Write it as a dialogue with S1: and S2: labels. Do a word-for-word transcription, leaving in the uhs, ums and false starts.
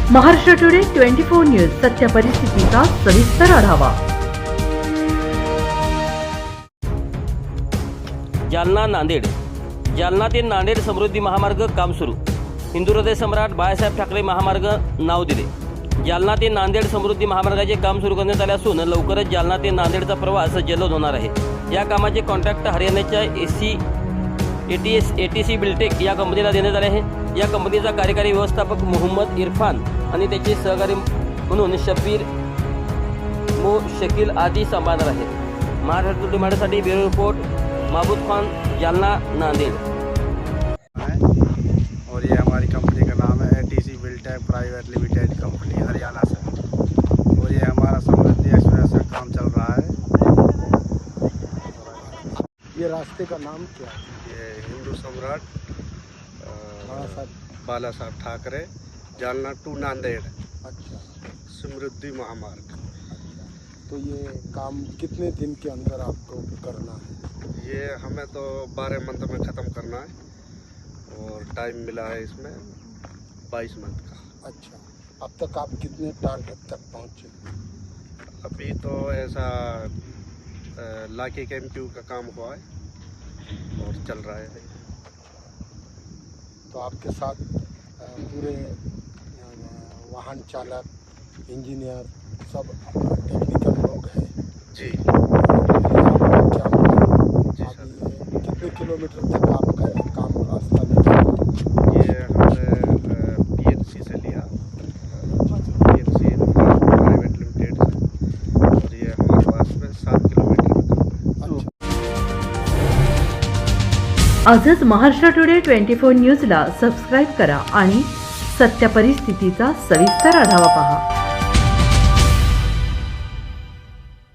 S1: Maharashtra today twenty four news सत्य परिस्थितीचा सविस्तर आढावा.
S2: जालना नांदेड. जालना ते नांदेड समृद्धी महामार्ग काम सुरू. हिंदू हृदय सम्राट बाळासाहेब ठाकरे महामार्ग नाव दिले. जालना ते नांदेड समृद्धी महामार्गाचे काम सुरू करण्यात आले असून लवकरच जालना ते नांदेडचा प्रवास जलद होणार आहे. या कामाचे कॉन्ट्रॅक्ट हरियाणाच्या एसी एटीएस एटीसी बिल्टेक या कंपनीला देण्यात आले आहे. या कंपनीचा कार्यकारी व्यवस्थापक मोहम्मद इरफान आणि त्याचे सहकारी म्हणून शबीर मो शकील आदी सांभाळणार आहेत. महाराष्ट्र टुडे माझ्यासाठी ब्युरो रिपोर्ट महबूब खान, जालना नांदेड.
S3: और ये हमारी कंपनी का नाम है ATC Biltech private limited company Haryana से. और ये हमारा समृद्धि एक्सप्रेस का काम चल रहा है.
S4: ये रास्ते का नाम क्या है?
S3: ये हिंदू सम्राट बाला साहब ठाकरे जालना टू नांदेड़
S4: अच्छा,
S3: समृद्धि महामार्ग.
S4: तो ये काम कितने दिन के अंदर आपको करना है?
S3: ये हमें तो बारह मंथ में ख़त्म करना है और टाइम मिला है इसमें बाईस मंथ का.
S4: अच्छा, अब तक आप कितने टारगेट तक पहुँचे?
S3: अभी तो ऐसा लाके कैंप्यू का काम हुआ है और चल रहा है.
S4: तो आपके साथ अ, पूरे अ, वाहन चालक, इंजीनियर, सब टेक्निकल लोग हैं
S3: जी.
S4: आपका क्या
S3: जी
S4: आप
S3: सर.
S4: ये कितने किलोमीटर तक आपका ये काम रास्ता में?
S3: ये हमने पीएनसी से लिया, पीएनसी प्राइवेट लिमिटेड से, और ये हमारे पास में सात किलोमीटर का.
S4: अच्छा.
S1: आजच महाराष्ट्र टुडे ट्वेंटी फोर न्यूजला सबस्क्राईब करा आणि सत्य परिस्थितीचा सविस्तर आढावा पहा.